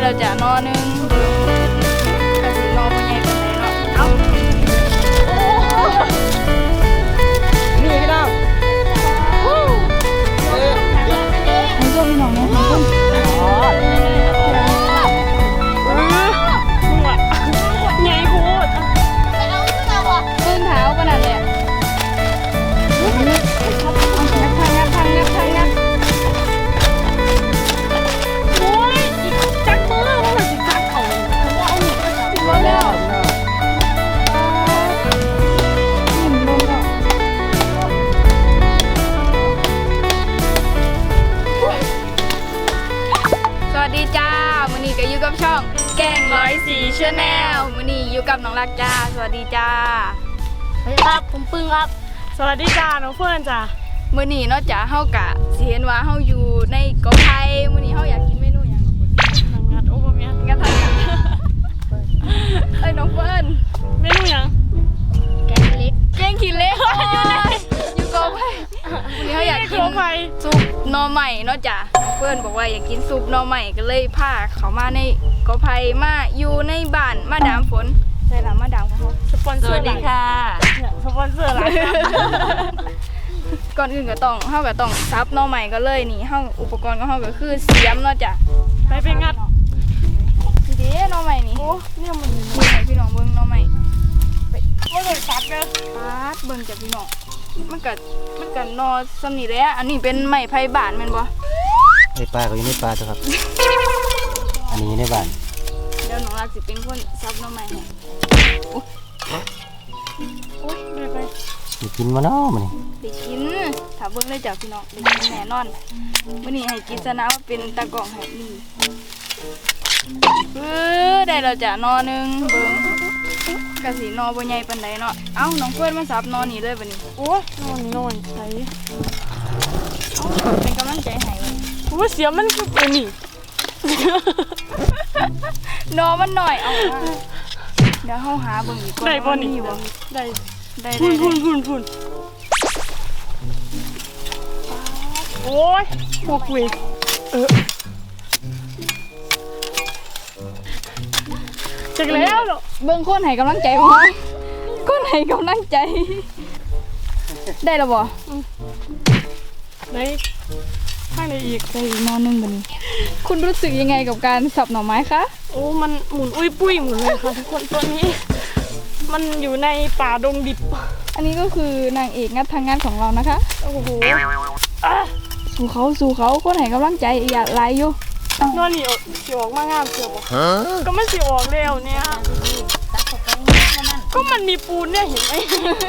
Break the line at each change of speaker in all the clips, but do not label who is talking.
เราจะนอนึงกะสินอบ่ใหญ่ปานใดเนาะเอ้า
นี่พี่น้อง
ให้ส้มพี่น้องเนี่ยให้ส้ม
ใหญ่โคตร
ขึ้นเท้าขนาดเลยงับ
โอ้ยจักมือว่ามันสิจักเขาว่าเอาหนีก็จับ
ว่าแล้วสวัสดีจ้ามื้อนี้ก็อยู่กับช่องแกง104 Channel มื้อนี้อยู่กับน้องรักจ้าสวัสดีจ้า
สวัสดีครับผมปึ้งครับ
สวัสดีจ้าน้องเฟิร์นจ้า
มื้อนี้เนาะจ้าเฮากะสิเห็นว่าเฮาอยู่ในกอไผ่มื้อนี้เฮาอยากกินเมนูหยังน้องงัดโอ้บ่แม่นงัดทางงัดเอ้ยน้องเฟิร์น
เมนูหยัง
แกงเล็ก
แกงขี้เหล็กอยู่กอไผ่มื้อนี้เฮาอยากกินซุปหน่อใหม่เนาะจ้าน้องเฟิร์นบอกว่าอยากกินซุปหน่อใหม่ก็เลยพาเขามาในกอไผ่มาอยู่ในบ้านมาดามฝนใช่ล่ะมาดามของเฮา
สปอนเซอร์
สวัสดีค่ะ
สปอนเซอร์หลายครับ
ก่อนอื่นก็ต้องเฮาก็ต้องซับหน่อใหม่ก็เลยนี่เฮาอุปกรณ์ของเฮาก็คือเสียมเนาะจ้ะ
ไปงัด
นี่เด้หน่อใหม่นี่
โอ้เนี่ยมัน
นี่ให้พี่น้องเบิ่งหน่อใหม่
ไปบ่ได้ตัดเด้อ
ตัดเบิ่งจ้ะพี่น้องมันก็หน่อซำนี่แหละอันนี้เป็นไม้ไผ่บ้านแม่นบ่
ไอ้ปลาก็อยู่ในปลาจ้ะครับ อันนี้ในบ้าน
เดี๋ยวน้องรักสิเป็นคนซับหน่อใหม่ให้
โอ้ยไป
มีกินมาเนาะมันนี่
ได้กินถ้าเบิ่งเลยจ้ะพี่น้องได้กินแน่นอนมื้อนี้ให้กินซะนะว่าเป็นตากล้องให้นี่ได้แล้วจ้ะหน่อนึงเบิ่งกะสิหน่อบ่ใหญ่ปานใดเนาะเอ้าน้องเฟิร์นมาซับหน่อนี่เลยบัดนี้
โอ้ยนอนใส่
เป็นกำลังใจให้
โอ้ยเสียมันคือเป็นนี่
นอมันหน่อยเอาเดี๋ยวเขาหาเบิ่งอีกก่อน
ได้บ่นี่ได้พุ่นโอ้ยพวกเวจักแล้วเนาะ
เบิ่งคนให้กำลังใจบ่คนให้กำลังใจได้แล้วบ่
ได้ข้างในอีก
ได้อีกนอนึงบัดนี้คุณรู้สึกยังไงกับการสับหน่อไม้คะ
โอ้มันหมุนอุ้ยปุ้ยหมุนเลยค่ะทุกคนตัวนี้มันอยู่ในป่าดงดิบ
อันนี้ก็คือนางเอกงัดทางงานของเรานะคะ
โอ้โห
สู่เขาคนให้กำลังใจอย่าไล่อยู่
นอนนี่สิออกมางามเสือบ่ก็มันสิออกแล้วเนี่ยก็มันมีปูนเนี่ยเห็นไหม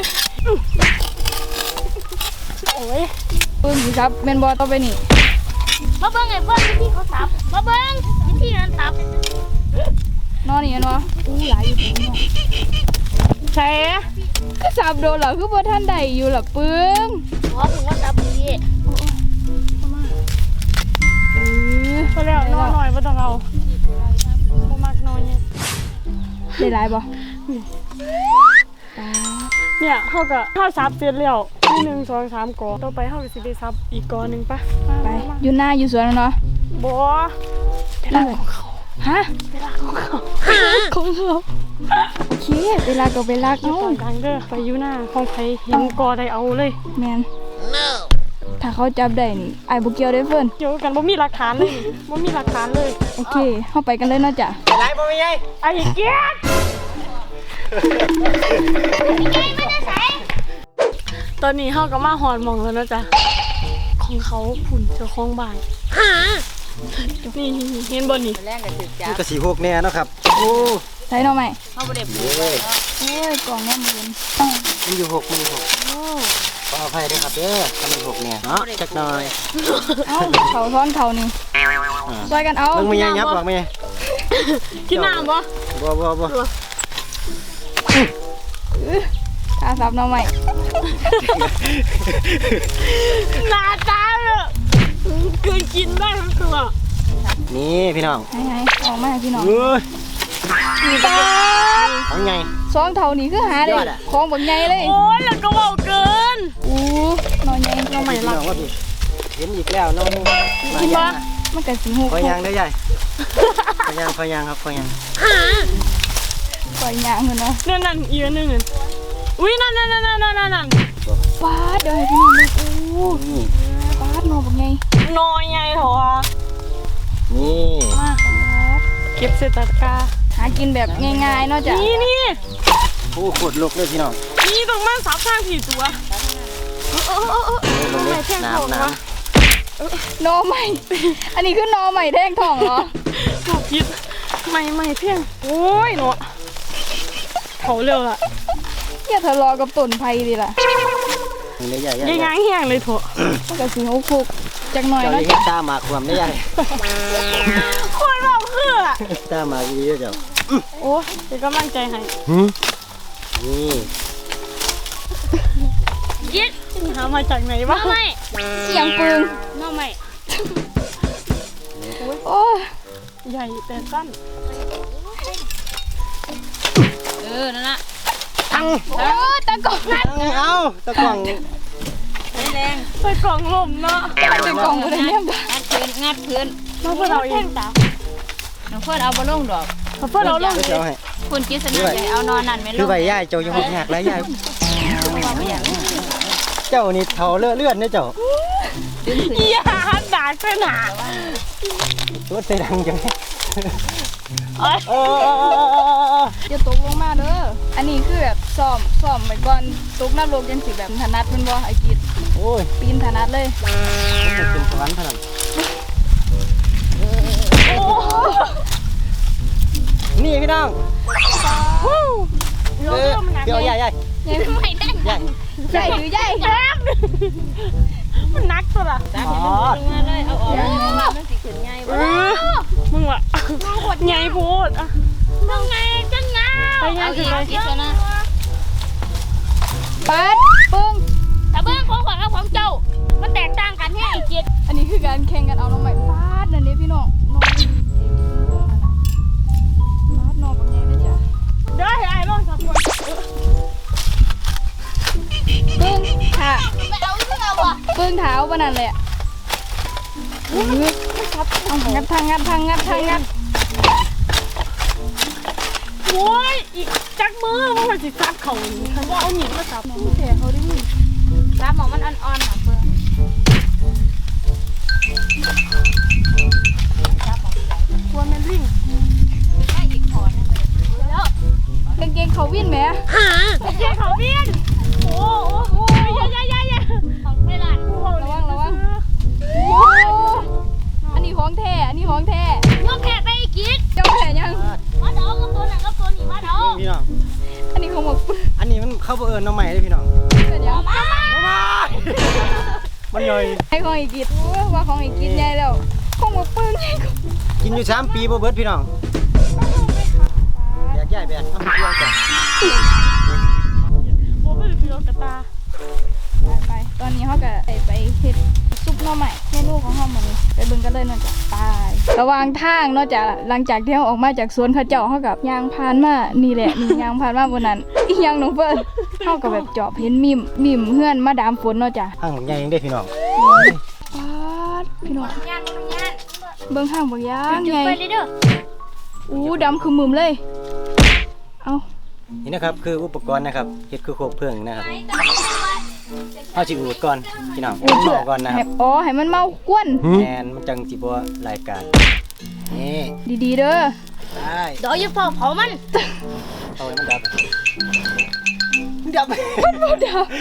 โอ้ย
ปืนสิครับเมนบอลต่อไปนี่
มาเบิ้งไอ้เบิ้งวิธีเขาตับมาเบิ้งวิธีนั้นตับ
นอนนี่กันวะหลายอยู่ตรงนี้
ใช่
ก็สับโดนเหรอคือบ่ท่านใดอยู่หรอปึ้ง
เพราะผมว่าตับดี
พอแล้วนอนหน่อยบ่ต้องเอาบ่มักนอนเนี่ย
ได้หลายบ่
เนี่ยเขาก็ข้าวซับเสร็จแล้ว1 2 3กอต่อไปเขาก็สิได้ซับอีกกอนึงปะ
ไปอยู่หน้าอยู่สวนเนาะ
บ่
เวลาของเขาฮะ
เวลาของเขา
โอเคเวลาก็เวลา
เอาดังเด้อไปอยู่หน้าของใครเห็นกอได้เอาเลย
แมนถ้าเขาจับได้นี่ไอ้บุกเกียวได้เฟิร์น
เกี่ยวกันบ่มีหลักฐานเลยบ่มีหลักฐานเลย
โอเคเข้าไปกันเลยนะจ๊ะ
ไรบ่มีไง
ไอ้เกียรตอนนี้เขาก็มาหอดมองแล้วนะจ๊ะของเขาผุ่นเจ้าของบ้านนี่เห็นบนนี่
แรกกับจุดจ้าก็สีหกแน่เนาะครับโอ้
ใส่หน่อไหม
เขาบ่ได้ปู
เลย
โอ้ยกล่องน้ำมัน
มันอยู่6โอ้ขออภัยด้วยครับเด้อทำเป็น6เนี่ยเนาะจักหน่อย
เขาซ้อนเขานี่ช่วยกันเอา
มึงไม่ยังยับหรอกไหม
กินน้ำบ่
ข้าซับน้องใหม่
หน้าตาเลยเกินกินได้ทั้งตัว
นี่พี่น้อง
ให้ออกมาพี่น้อง
ตาของไง
สองเท่านี้คือหาเลยของแบบไงเลย
โอ้ยแล้วก็เบาเกิน
น้อยไง
น้องใหม่รักเห็นอีกแล้วน้อง
กินปะ
มันก็สิฮู้
คอยยางได้ใหญ่คอยยางครับคอยยาง
ปล่อยยางพุ่นเนาะ
นั่นอีกอันหนึงนั่นอุ้ยนั่น
ปาดเดี๋ยวให้พี่น้องดูโอ้
นี่
ปาดนอบักไง
น้อยใหญ่เถอะ
นี่
มาเก็บเศษตะกร้า
หากินแบบง่ายๆเนาะจ้ะ
นี่
โอ้ขวดลกเลยพี่น้อง
นี่ตรงบ้านซับข้างผีตัว
ลงเลยน้ำ
หนอใหม่ อันนี้คือหนอใหม่แท่งทองเหรอ
บอกคิดใหม่เพียงโอ้ยเนาะเขาเร็วละ
อย่าทะเลาะกับต้นไผ่ดิล่ะ
นี่ใหญ่
ยังไงแห้งเลยเถอะ
มันก็สิฮู้คุกจักหน่อย
เจ้า
เนาะ
เห็นตาหมากความได้ใหญ่
คนบอกคือ
ตาหมากดีเจ้า
โอ้ยเป็นกำลังใจให้
นี่
ยิด
หามาจากไหนวะ
น้องใหม่
เสียงปืน
น้องใหม่
โอ้ย
ใหญ่แต่สั้น
นั่นละ
ตั้ง
โอ้ยตะกอกงัด
เอาตะกล่อง
แรง
ใส่กล่องลมเนาะ
ตะกอกอะไรเนี่ยบ้า
งัดพื้น
มาเพื่อเราเอง
น้องเพื่อนเอาบอลลงดอก
มาเพื่อเราลง
ก็จะเอาให้
คุณกิษณะใหญ่เอานอนนั่นไม่ล
คือง ใบย่ายเจ้ายังหกหักแล้วย่ายเจ้านี่เท่าเลื่อนเนี่ยเจ้า
อย่าหันด่าเส้นหา
ตัวเตดังจัง
เอ้ย
อย่าตกลงมาเด้ออันนี้คือแบบซ้อมไปก่อนตกนรกจังสิแบบถนัดแม่นบ่ไอ้กิด
โอ้ย
ปีนถนัดเลย
เป็นสวรรค์เท่านั้นนี่พี่น้องเดี๋ยวใหญ่
ใหญ่
ไม่ได้
ใหญ่
ใหญ่หรือใหญ่
มันนักสุดอ่ะ
อ๋อ
ลงมาเลยเอาออกมันสิขึ้นง่าย
มึงวะใหญ่โพดอ่ะ
น้องไงจังเงา
ไปไง
เอา
คื
อี
อก ไป
กิษณะ
ปัดปึ้ง
แต่เบื้องของขวัญกับของเจ้ามันแตกต่างกันให้ไอ้กิษ
อันนี้คือการแข่งกันเอาน้องใหม่ปาดนั่นนี่พี่น้องน้องปาดน้องเป็นไงนะจ๊ะ
เดี๋ยวให้ไอ้ลองสักคน
ปึ้งค่ะ
ไม่เอาเรื่องอ่ะ
ปึ้งเท้าปะนั่นเลยอ่ะเอางัดทางงัด
โอ้ยอีกจักมือมันมาสิซับเขาฉันว่าเอาหนีมาซับ
แผลเขาได้มี
รับหมอมันอ่อนๆหน่ะเพื่อน
กลัวแมนลิง
ได้อีกขอนึงเลยแล้ว
กางเกงเขาวิ่นไหม
เจ๊เขาเบี้ยนโอ้โหอย่า
ของไม่หลาน
ระวังอันนี้ของแท้
ยอมแพ้ไปไอ้กิษ
เจ้าแผลยัง
มาเดากับตัวนั้นกับตัวนี้มาเดา
พี่น้อง
อันนี้ของหมกปื้ง
อันนี้มันเข้าเอิญน้องใหม่เลยพี่น้อง
เป็นยัง
มันย่อย
ไอ้ของอีกิดว่าของอีกิดใหญ่แล้วของหมกปื้งใหญ่กว่า
กินอยู่3 ปีบ่เบิดพี่น้องแบกใหญ่แบกทำเพื่อจ้ะ
โอ้เป็นเพื่อกระตา
ไปตอนนี้เขาก็ไปเฮ็ดซุปหน่อใหม่เมนูของเขาหมดเลยไปเบิ่งกันเลยเนาะจ้ะตายระหว่างทางเนาะจ้ะหลังจากที่เขาออกมาจากสวนเขาเจ้าเขากับยางพานมานี่แหละนี่ยางพานมาบนนั้นอีหยังน้องเฟิร์นเขาก็แบบจอบเห็นมิมเฮือนมาดามฝนเนาะจ้ะ
ห้างของใหญ่ยังได้พี่น้อง
ปาดพี่น้อง
งาน
เบิ่งห้างบ่ยาง
จุด
ใหญ่
ไปเลยเด้อ
อู้ดำคือมึมเลย เอา
นี่นะครับคืออุปกรณ์นะครับเฮ็ดคือโคกเพลิงนะครับเอาจิอูดก่อนพี่น้องอูดหม้อก่อนนะครับ
อ๋อให้มันเมากวน
แอนมันจังสิบ่รายการนี่
ดีๆเด้อ
ได้
เดี๋ยวอย่าเผามัน
เอาไว้มันดับมันดับ
บ่ดา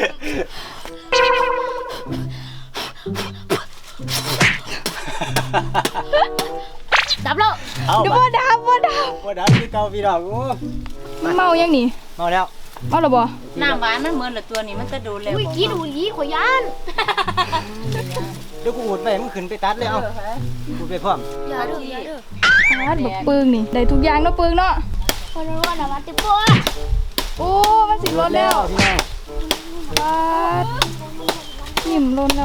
ดับแล้ว
เอา
เดี๋ยว
บ่
บ่ดาบ่ดา
บ่ดับคือเก่าพี่น้องโอ้
เมายังนี่
เมาแล้ว
เมาแล้วบ่
น้ำหวานมันเหมือนละตัวนี้มันจะดูเร็วอุ้ยกินอุ้ยขอยาน
เดี๋ยวกูอูดไปมึงขึ้นไปตัดเลยเอาอูดไปพร้อม
อย่าเด้ออย่าเด้อ
ปาดบักปึงนี่ได้ทุกอย่างเนาะปึงเนาะ
คนรู้ว่าน้ำมันติดปัว
โอ้มันสิลดแล้ว
พี่น้อง
ปาดนิ่มลดแล้ว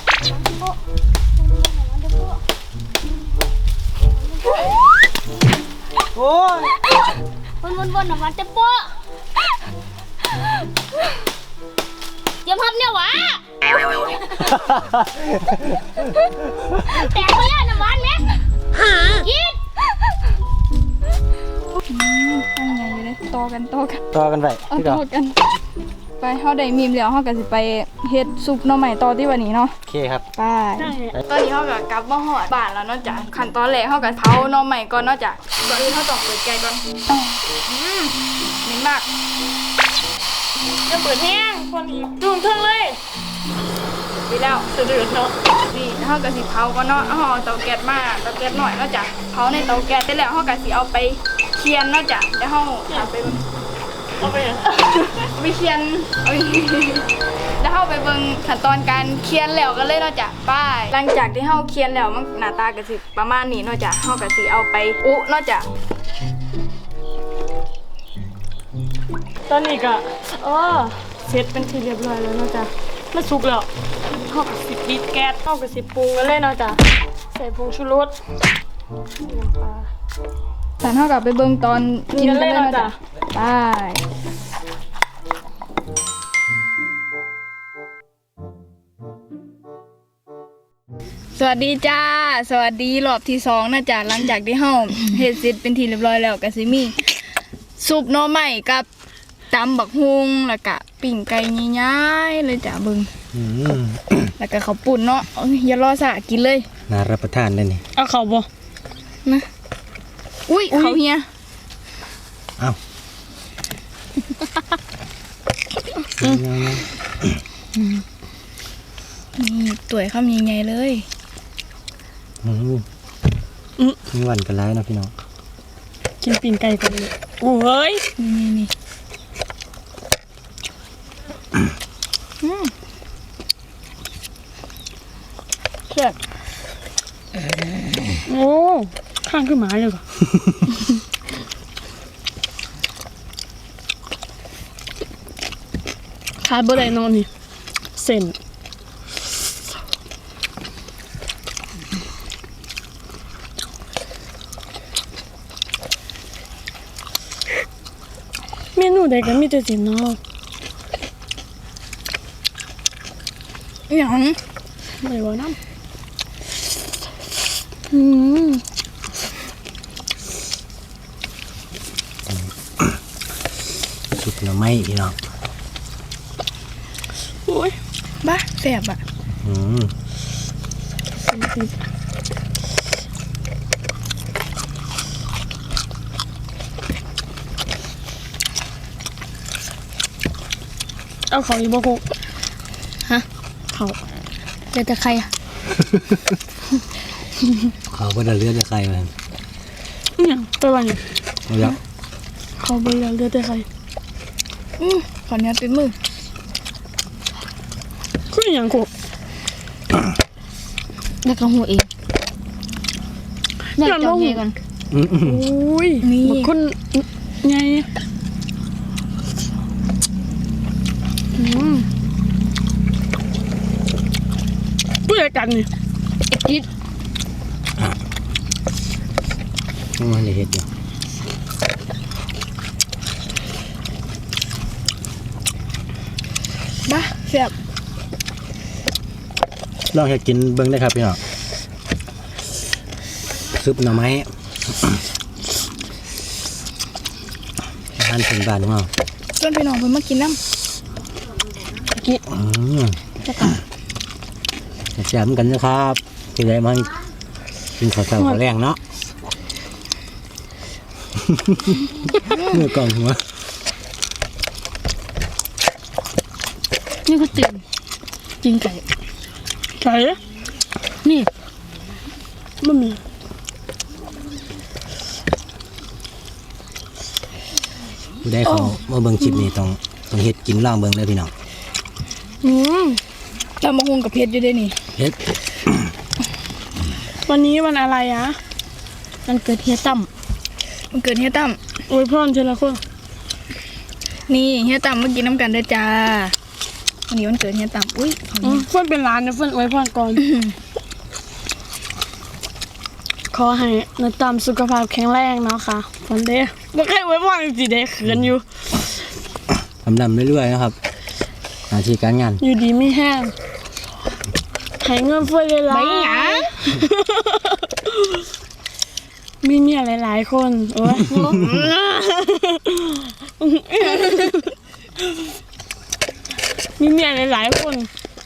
โอ้ย
วนน้ำมันติดปัวเตรียมพับเนี่ยวะแตกไปแล้วน้ำมันไหม
กัน
ต่อกันไป
เอา
พี่
ต่
ก่อ
อกัน ไปเฮาได้มีมแล้วเฮาก็สิไปเฮ็ดซุปหน่อไม้ต่อที่วันนี้เนาะ
โอเคครับ
ไปตอนนี้เฮาก็กลับมาฮอดบ้านแล้วเนาะจ้ะขั้นตอนแรกเฮาก็เผาหน่อไม้ก่อนเนาะจ้ะก่อนอื่นเฮาต้องเปิดแก๊สก่อนเหม็นมาก
จะเปิดแห้งคนอีกจุ่มเทิงเลย
ดีแล้ว
สะดือเนาะ
นี่เฮาก็สิเผาก่อนเนาะเอาเตาแก๊สมาเตาแก๊สหน่อยเนาะจ้ะเผาในเตาแก๊สเสร็จแล้วเฮาก็สิเอาไปเคี่ยนเนาะจ้ะเดี๋ยวเฮาเอาไป
เอาไปยัง
ไปเคียนเอ้ยแล้วเข้าไปเบิ่งขั้นตอนการเคียนแล้วกันเลยเนาะจ้ะป้ายหลังจากที่เฮาเคียนแล้วมันหน้าตาก็สิประมาณนี้เนาะจ้ะเฮาก็สิเอาไปอุเนาะจ้ะ
ตอนนี้ก็เสร็จเป็นที่เรียบร้อยแล้วเนาะจ๊ะมันสุกแล้วเฮาก็สิปิดแก๊สเฮาก็สิปรุงกันเลยเนาะจ๊ะใส่ผงชูรสน้ำปลา
สันเฮาก็ไปเบิ่งตอนกินกันเลยเนาะจ้ะไปสวัสดีจ้า สวัสดีรอบที่2นะจ้ะหลังจากที่เฮาเฮ็ดเสร็จเป็นที่เรียบร้อยแล้วก็สิมีซุปหน่อไม้กับตำบักฮุงแล้วก็ปิ้งไก่ย่ายๆเลยจ้ะเบิ่ง แล้วก็ข้าวปุ่นเนาะเอ้ยอย่ารอสะกินเลย
น่ารับประทานเลยนี่
เอาเข้าบ่
นะอุ้ยเขาเฮีย
เอ้า
นี่ตุ๋ยข้าวมีไงเลย
มีวันกันร้ายนะพี่น้อง
กินปีนไก่ก่อนเลยโอ้ย
นี่เชื่อ
โอ้ข้างขึ้นหมาเลยก่อนขาดบ่ได้นอนนี่เส้นเมนูใดก็มีแต่เส้นเนาะ
อย่าง
ไม่ว่าน้ำ
สุดหน่อไม้พี่น้อง
โอ้ย
บ้าแสบอ่ะ
เอาของอีกบ่คง
ฮะ
เขา
เจอแต่ใครอ่ะ
เขาก็จะเลือดจะใครมัน
เนี่ยตัวอะไรเนี่ย
เอาแล้ว
เขาบริการเลือดแต่ใคร
ขอเนี้ยติดมือ
คืออย่างกู
แล้วก็หัวเองอยากจองเฮกัน
โอ้ย
นี่
บางคนไงผู้จัดการนี่
จิต
มันเลยเห็ดอยู่
บ้าแสบ
ลองเห็ดกินเบิ้งได้ครับพี่น้องซุปหน่อไม้อาหารพื้นบ้านของเรา
เพื่อนพี่น้องเพิ่นมากินน้
จะกันแซ่บเหมือนกันนะครับที่ได้มากินข้าวเช้าข้าวแรงเนาะเมื่อกล่องหัว
ำนี่ก็ตื่นกินไก่
ใช่
นี่
มันมี
ผู้ได้เขามาเบิ่งคลิปนี้ต้องเฮ็ดกินล่างเบิ่งเลยพี่น้อง
ตำบักฮุงกับเพชรอยู่ด้วยนี่
เฮ็ด
วันนี้วันอะไรอะ
มันเกิดเฮียตั้มมันเกิดเฮียตั้ม
อวยพรเจละคน
นี่เฮียตั้มมากินน้ำกันเด้อจ้าวันนี้วันเกิดเฮียตั้มอุ้ยของเฮีย
เพื่อนเป็นร้านนะเพื่อนอวยพรก่อน ขอให้นตามสุขภาพแข็งแรงเนาะค่ะฟันเด้บ่เคยอวยพรจริงๆเด้เขินอยู่
ดำเรื่อยๆนะครับหน้าที่การงาน
อยู่ดีไม่แห้งให้เงินเฟ้อเลยล่ะ
ไม่หยัง
มีเมียหลายๆคนโอ้ยมีเมียหลายๆคน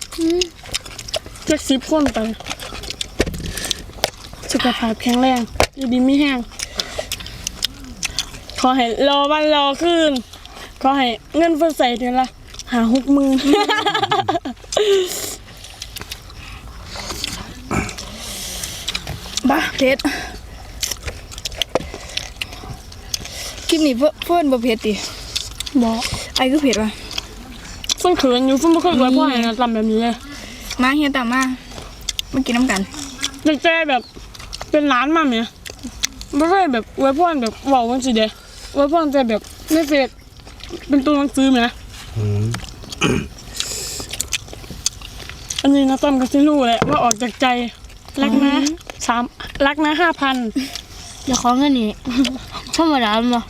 70 คนไปสุขภาพแข็งแรงอยู่ดีไม่แห้งขอให้รอวันรอคืนขอให้เงินเฟ้อใส่เดือนละ50,000
บ้าเผ็ดคลิปนี้เพิ่นบ่เผ็ดติ
บอก
ไอ้คือเผ็ดว่ะ
ฟุ้นเขินอยู่ฟุ้นไม่เคยไว้พ่อให้นะทำแบบนี้เลย
มาเฮียตามมากินน้ำกัน
แต่แกแบบเป็นร้านมาไหมไม่เคยแบบไว้พ่อแบบเว้ากันสิเด้ไว้พ่อแต่แบบในเฟซเป็นตัวหนังสือไหม อันนี้นะต้อมก็สิรู้แหละว่าออกจากใจรักนะรักนะ5,000
อย่าขอเงินนี่ธรรมดาบ่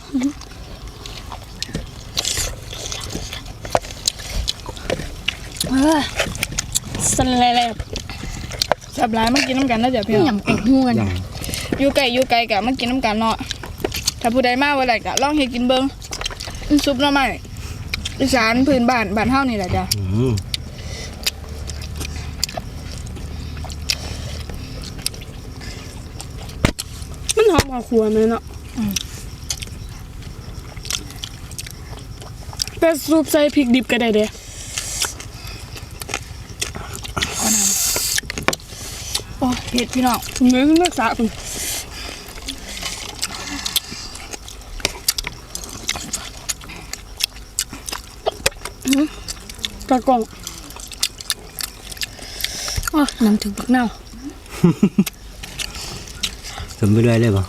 สันแลบ
สับหลายมากินน้ำกันนะจ๊ะพี่
นี่
น้
ห
อง
ยังเป็นหูกัน
อยู่ไกลกะมากินน้ำกันเนาะถ้าผู้ใดมาวันไหนกะลองเฮ็ดกินเบิ่งซุปหน่อไม้อีสานพื้นบ้านเฮานี่แหละจ้ะ
มันหอมกว่าครัวไหมเนาะแต่ซุปใส่พริกดิบก็ได้เด้
โอ้เผ็ดพี่น้อง
เนื้อนักษาคุณตะกล่อง
อ๋อน้ำถึงบักเน่า
สมไปด้วยเลยป่ะ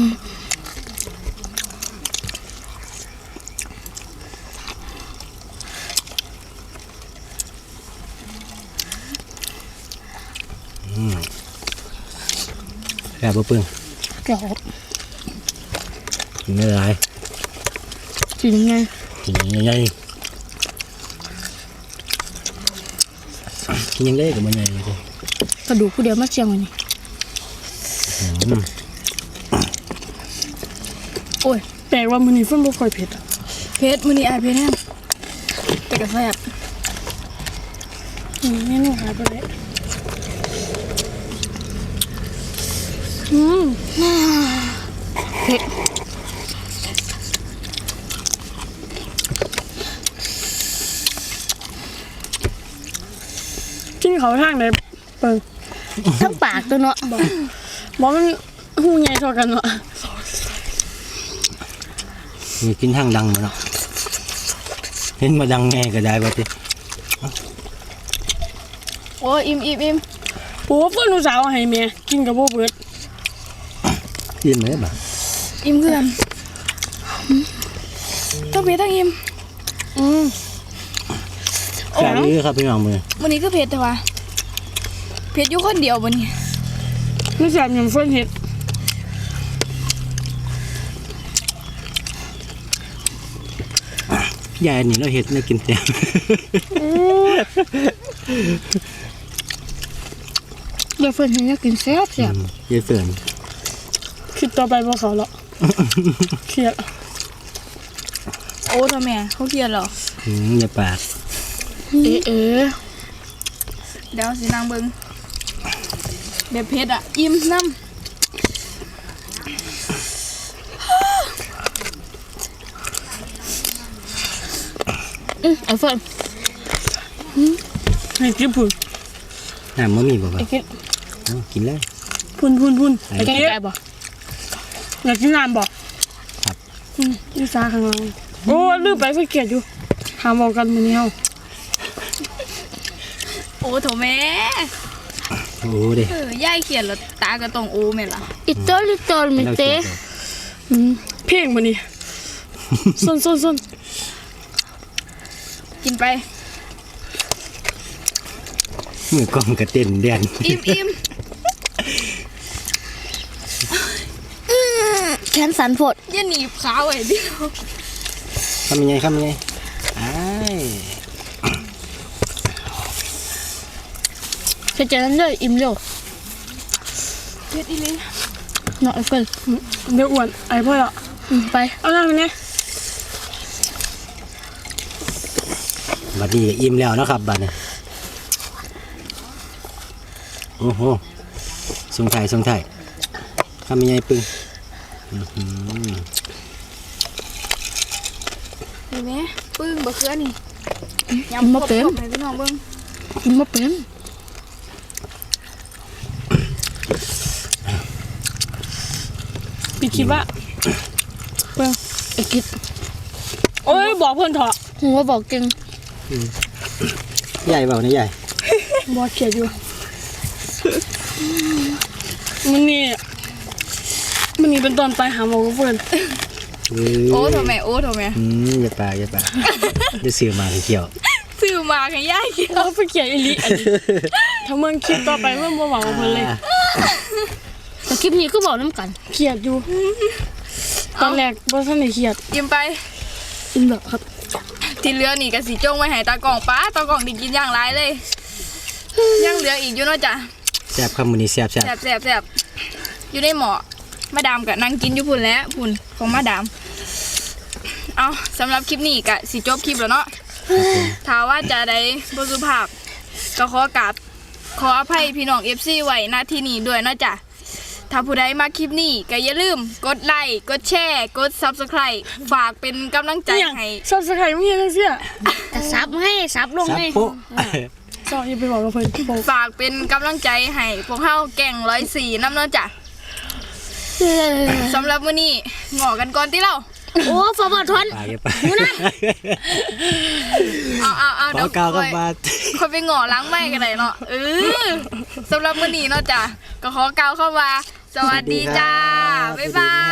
แซ่บปะเพิ่ง
เกี่ยว
กินไม่ได้
กินยังไง
กินยังไงกินยังได้กับมันยังไงเลย
กระดูกผู้เดียวมาเจียงไว้นี่โอ้ย
แต่ว่ามันนี่ฟุ้นบ่ค่อยเผ็ดอะ
เผ็ดมื้อนี้อายเผ็ดแฮงแต่ก็แซ่บ
เมนูหายไปเลยเผ็ดกินเขาทางไหนเปิง
ทั้งปากตัวเนาะ
บอกมันหูใหญ่เท่ากันเนาะ
มีกินทางดังมาเนาะเห็นมาดังแง่ก็ได้ป่ะที
โอ้ยอิ่ม
โอ้เพื่อนลูกสาวให้แม่กินกับโบเบิร์ด
กินไหมบ่
อิ่มคือกันทั้งเผ็ดทั้งอิ่ม
แซ่บดีครับพี่น้องมือ
วันนี้ก็เผ็ดแต่ว่าเผ็ดอยู่คนเดียววันนี้
นี่แสบอย่างเพื่อนเห็ด
ยายนี่เราเห็ดเรากินแซ่บ
เดี๋ยวเพิ่นเห็นอยากกินแซ่บ
ยายเสือน
คิดต่อไปว่าเขาละเครียด
โอ้ทำไมเขาเครียดเหรอ
อย่าปาก
เอ๊ะ
เดี๋ยวสินางเบิ่งแบบเผ็ดอ่ะอิ่มน้ำ
ไอ้เฟิร์น
ให้กินพุ่น
น้ำมะมีบ่บ่
ไอ้กิน
กินเลย
พุ่นไอ้
แกง
กิน
ไก่บ่
อยากกินน้ำบ่
ครับ
นี่ซาข้างหลังโอ้ลืมไปสังเกตอยู่หาบอกกันมื้อนี้เฮา
โอ้โถแม่
โอ้เด้
ย่ายเขียนแล้วตาก็ต้องโอ้แม่ล่ะ
อิโตลิโตลมิเต
เพลงมื้อนี้ส้น
กินไป
มือกล้องกระเต้นเด่น
อิ่ม
แขนสันโพด
อย่าหนีบขาไว้เดิ
ทำยังไงอ้าย
เฮ็ดจังนั้นเลยอิ่มเร็ว
เผ็ดอีหลี
เนาะไอ้เฟิร์น
เดี๋ยวอ้วนไอ้พ่อละ
ไป
เอาหน้าไปเนี่ย
บัดนี้ก็อิ่มแล้วเนาะครับบัดนี้โอ้โหทรงไทยทำยังไงปึ้ง
นี่แม่ปึ้งบะเขือนี่ยำครบๆให้พี่น้องเบิ่ง
กินมาเป็น
พี่คิดว่าเพิ่ง
ไอ้กิด
โอ้ยบอกเพิ่นเถอะ
หัวบอกเก่ง
ใหญ่เปล่าเนี่ยใหญ่
บอกเขียดอยู่มันนี่เป็นตอนไปหาหมอกับเพิ่น
โอ้โถแม่โอ้โถแม่
อย่าปากจะซื้อมาเกี่ยว
ซื้อมาให้ยายกิน
เอาไปเขียดอีหลีอันนี้ถ้าเมืองคลิปต่อไปเมื่อบ่หวังกับเพิ่นเลย
แต่คลิปนี้ก็บอกน้ำกัน
เขียดอยู่ ตอนแรกบ่ทันได้เขียด
ยิ้มไป
กินแบบครับ
ที่เหลือนี่ก็สิจ้งไว้ให้ตากล่องป้าตากล่องได้กินอย่างไรเลยยังเหลืออีกอยู่เนาะจ้ะ
แซ่บครับมื้อนี้แซ่บ
แซ่บอยู่ในหม้อมาดามกับนั่งกินอยู่พุ่นแล้วพุ่นของมาดามเอาสำหรับคลิปนี้ก็สิจบคลิปแล้วเนาะถ้าว่าจะได้บ่สุภาพก็ขออภัยพี่น้อง FC ไว้ณที่นี้ด้วยเนาะจ้ะถ้าผู้ใดมาคลิปนี้ก็อย่าลืมกดไลค์กดแชร์กด Subscribe ฝากเป็นกำลังใจ
อย่าง
ให้
ซับสไครต์มีจังซี่
แต่ซับให้ซับลง
ซับ
ให้
โป๊ะ
ซออย่าไปบอกกับเพิ่นโป๊ะ
ฝากเป็นกำลังใจให้พวกเฮาแก่ง104น้ำเนาะจ้ะสำหรับมื้อนี้งอกันก่อนติเรา
โอ้ฟอร์บอทอน
ปากอย่าปาก
เอา
ข
เดี๋
อ
ยว
กาวกับ
ค่อย
บาด
ค่อยไปงอล้างไม้กันได้เนาะสำหรับมื้อนี้เนาะจ้ะก็ขอกล่าวเข้ามาสวัสดีจ้าบ๊ายบาย